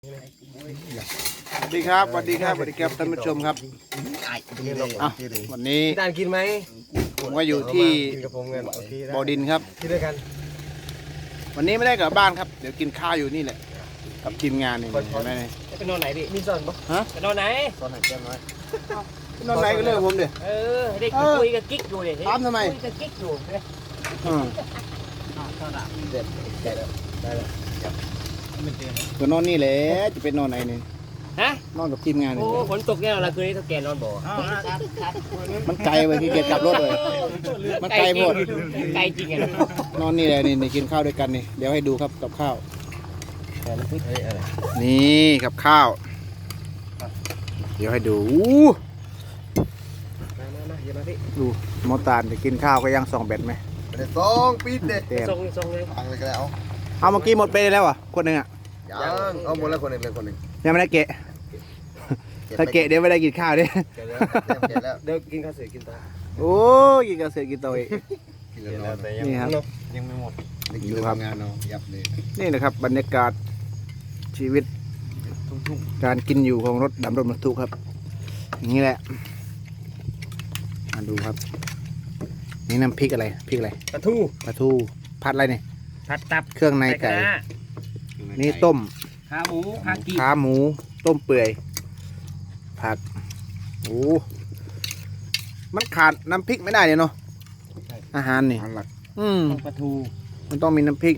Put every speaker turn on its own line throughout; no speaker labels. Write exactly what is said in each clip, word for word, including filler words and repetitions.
สวัสดีครับสวัสดีครับสวัสดีครับท่านผู้ชมครับอ่ะวันนี้
จานกินไหม
ผมก็อยู่ที่บ่อดินครับ
กินด้วยกัน
วันนี้ไม่ได้กลับบ้านครับเดี๋ยวกินข้าวอยู่นี่แหละกับทีมงานนี่เห็นไหมเนี่ย
ไปนอนไหนพี่
มีสอนปะ
ฮะ
ไปนอนไหน
สอนไหนแก้มน้อย
นอนไหนก็เรื่องผมเดี๋ยว
เออเด็กคุยกับกิ๊กอยู่เนี่ย
ถามทำไม
คุยกับกิ๊กอยู่เนี่ย
อืม
เด็ดได้แล้วได้แล้ว
ก็นอนนี่แหละจะไปนอนไหนนี่
ฮะ
นอนกับทีมงานนี่
โอ้ฝนตกแน่นอนละคืนนี้ถ้าแกนอนบ่อ
มันไกลไปที่เกียจกลับรถเลยมันไกลหมด
ไกลจริงไง
นอนนี่แหละนี่นี่กินข้าวด้วยกันนี่เดี๋ยวให้ดูครับกับข้าว
แต่น้ำพริกอะไร
นี่กับข้าว เดี๋ยวให้ดูอู้
มามามาเดี๋ยวมาพี่
ดูมอตานจะกินข้าวก็ยังส่องแบตไหม
เด็ดสองปีเด็ด
เต็ม
ทรงทรงเลย
ฟังเลยก็แล้ว
เอาเมื่อกี้หมดไปแล้วอ่ะคนหนึ่งอ่ะ
ยังเอาหมดแล้วคนหนึ่งเลยคนหนึ่ง
ยังไม่ได้เกะถ้าเกะเดี๋ยวไม่ได้กินข้าวดิ
เก็บแล้วเก็บแล้วเดี๋ยวกินข้าวเสร็จกินต่อ
โอ้ยกินกระเสือกกินตัวเอง
กินแล้วแต่ยัง
นี่ครับ
ยังไม่หมดดูทำงานเนาะยับเลย
นี่นะครับบรรยากาศชีวิตการกินอยู่ของรถดำรถบรรทุกครับอย่างนี้แหละมาดูครับ นี่น้ำพริกอะไรพริกอะไร
ปลาทู
ปลาทูผัดอะไรเนี่ย
ผัดตับ
เครื่องในไก่
คณะ
นี่ต้ม
ขาหมูขากี
ขาหมูต้มเปื่อยผักโอ้มันขาดน้ำพริกไม่ได้เลยเนาะอาหารนี่
อันหลัก
อืม
ปลาทู
มันต้องมีน้ำพริก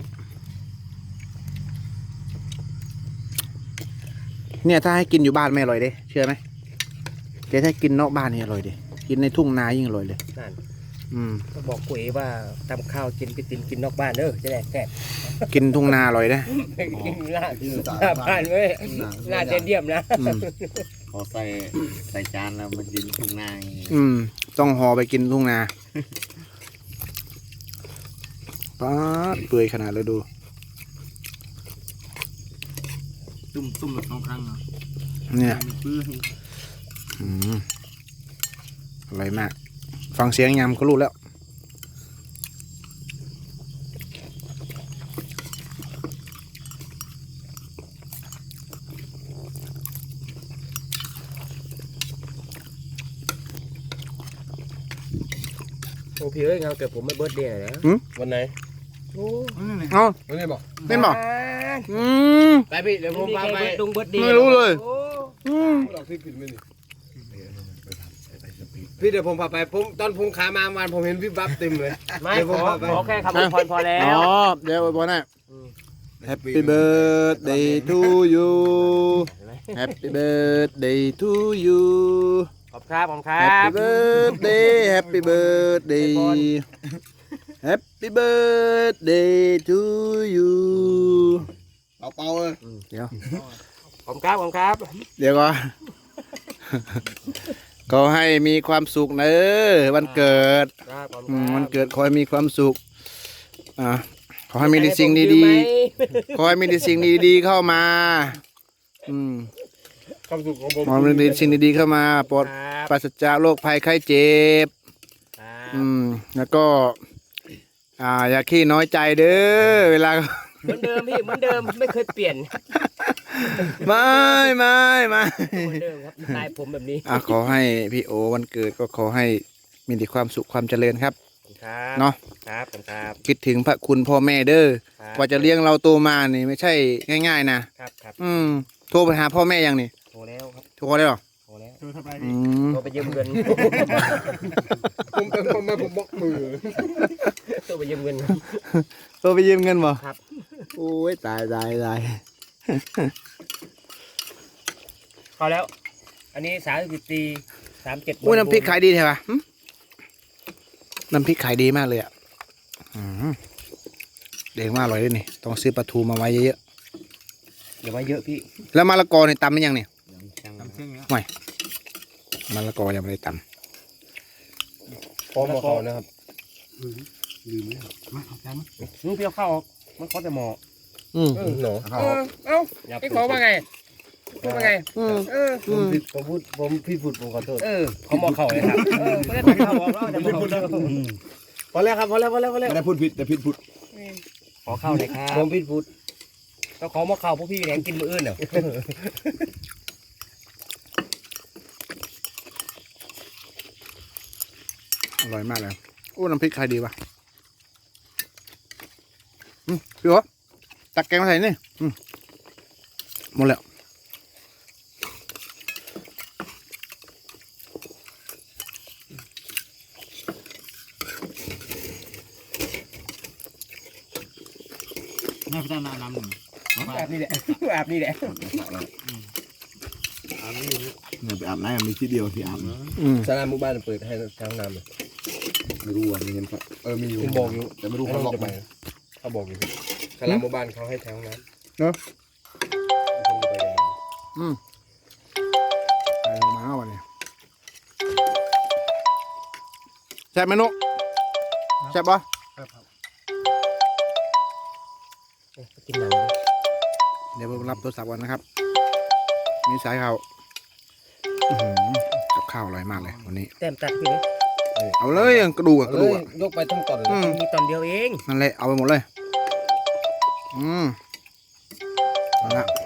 เนี่ยถ้าให้กินอยู่บ้านไม่อร่อยเด้เชื่อไหมแต่ถ้ากินนอกบ้านนี่อร่อยเด้กินในทุ่งนายิ่งอร่อยเลย
นั่น
อืม
ก็บอกกุ๋ยว่าทำข้าวกินไปตินกินนอกบ้านเด้อจะได้แซ่บ
กินทุ่งนาอร่อยนะ
กินหน้าหน้าบ้านเว้ยหน้าเดียมนะ
อืม
พอใส่ใส่จานแล้วมันกินทุ่งนา
อืมต้องห่อไปกินทุ่งนาป๊าดเปื่อยขนาดเลยดู
ตุ่มตุ่มแบบสองครั้งเนาะ
เนี่ยอืมอร่อยมาก ฟังเสียงยำก็รู้แล้ว
โอ้พี่เอ้ยงานเกิดผมไม่เบิร์ดเดย์นะ
วันไหน
โอ้
เอ้า
วันไหนบอก
เป็นบอกอืม
ไปพี่เดี๋ยวผมพาไป
ดงเบิร์ดเดย์
ไม่รู้เลย
โอ้
อืม
เราพี่ผิดไหมนี่พี่เดี๋ยวผมพาไปผมตอนผมขามาวันผมเห็นพี่บัฟเต็มเลย
ไม่
เดี๋ยว
ข
ผม
อ
พาไป
ขอแค่คำอวยพรพอแล้
อ๋อ
ว
เดี๋ยวบอลน่ะ Happy birthday to you Happy birthday to you
ขอบครับขอบครั
Happy
บ
birthday Happy birthday Happy birthday to you
เอาเป่าเลย
เดี๋ยว
ขอบครับขอบครับ
เดี๋ยวก่อน ขอให้มีความสุขเนอะวันเกิด
ครับขอบ
อืม
ค
วั
รั
น
บ
เกิดขอให้มีความสุขอ่าขอให้มีแต่สิ่งดีๆขอให้มีแต่สิ่งดีๆเข้ามาอืม
ความสุขของผม
ขอให้มีแต่สิ่งดีๆเข้ามาปลอด
ครับ
ปราศจากโรคภัยไข้เจ็บ
ครับ
อืมแล้วก็อ่าอย่าขี้น้อยใจเด้อเวลา
เหมือนเดิมพี่เหมือนเดิมไม่เคยเปลี่ยน
ไม่ไม่ไม่
เหมือนเดิมครับสไตล์ผมแบบนี้
อ่ะขอให้พี่โอวันเกิดก็ขอให้มีแต่ความสุขความเจริญครับ
ครับ
เนาะ
ครับผมครับ
คิดถึงพระคุณพ่อแม่เด้อ
ครับ
กว่าจะเลี้ยงเราโตมานี่ไม่ใช่ง่ายๆนะครับ
ครับ
อืมโทรไปหาพ่อแม่ยังนี่
โทรแล้วครับ
โทรได้หรอ
โทรแล้ว
อืม
โทรไปยืมเงิน
ผมเป็นคนมาผมบล็อกมือ
โทรไปยืมเงิน
โทรไปยืมเงินบ่
ครับ
โอ้ยตายตายตาย
เข้าแล้ว อันนี้สามสิบตีสามเจ็ด
โอ้ยน้ำพริกขายดีใช่ปะหึน้ำพริกขายดีมากเลยอ่ะอืมเด็กมากอร่อยด้วยนี่ต้องซื้อปลาทูมาไว้เยอะ
อย่าไว้เยอะพี่
ๆแล้วมะละกอเนี่ยตำหรือยังเนี่ย
ทำเช่นนี้
มะละกอยังไม่ได้ต
พร้อมมาเขานะครับ
ลูกพี่เอาเข้าออกมันเขาแต่หมอ
ำอืม
หนู
เออเอ้าพี่ขอว่าไงพูดว่าไง
อืม
เออ
ผมผิดผมพูดผมพี่พูดผมขอโทษ
เออเขาหมอเข่าเลยครับเออไม่ได้ตัดเข้าบอกแล้วแต่หมอเข่า
พอแล้วครับพอแล้วพอแล้วพอแล้ว
ไม่ได้พูดผิดแต่ผิดพูด
ขอเข้าเลยครับ
ผมผิดพูด
เอก็ของมาเข่าพวกพี่แหนกินมืออื่นเนาะ
อร่อยมากเลยโอ้น้ำพริกใครดีวะอืมพี่โอ๊ตตักแกงมาใส่นี่อืมหมดแล้วน่าไปตั้งน้ำน้ำหนึ่ง
อาบนี่แหละอาบนี่แหละ
เนี่ยไปอาบน้ำมีที่เดียวที่อาบนะ
อืม
สนามหมู่บ้านเปิดให้ทางน้ำเลย
ไม่รู้อ่ะมีเห็นเขาเออมีอยู่
คุณบอกอยู่
แต่ไม่รู้เขาล็อก
จะ
ไห
ไป
ม
เขาบอกอยู่สนามหมู่บ้านเขาให้ทางน้ำ
เนาะ
คุณจะไปยังไง
อืมไปลงมาวันนี้แซ่บไหมนุแซ่บปะ
กินหนัง
เดี๋ยวผมรับโทรศัพท์ก่อนนะครับมีสายข่าวอื้อหือกับข้าวอร่อยมากเลยวันนี้
แต้มตัดพี่นี่
เอาเลยกระดูกอะกระ
เล
ดูก
ย
อะ
ยกไปทั้งตอนเลย
อืม
มีตอนเดียวเอง
นั่นแหละเอาไปหมดเลย อืมเอาละ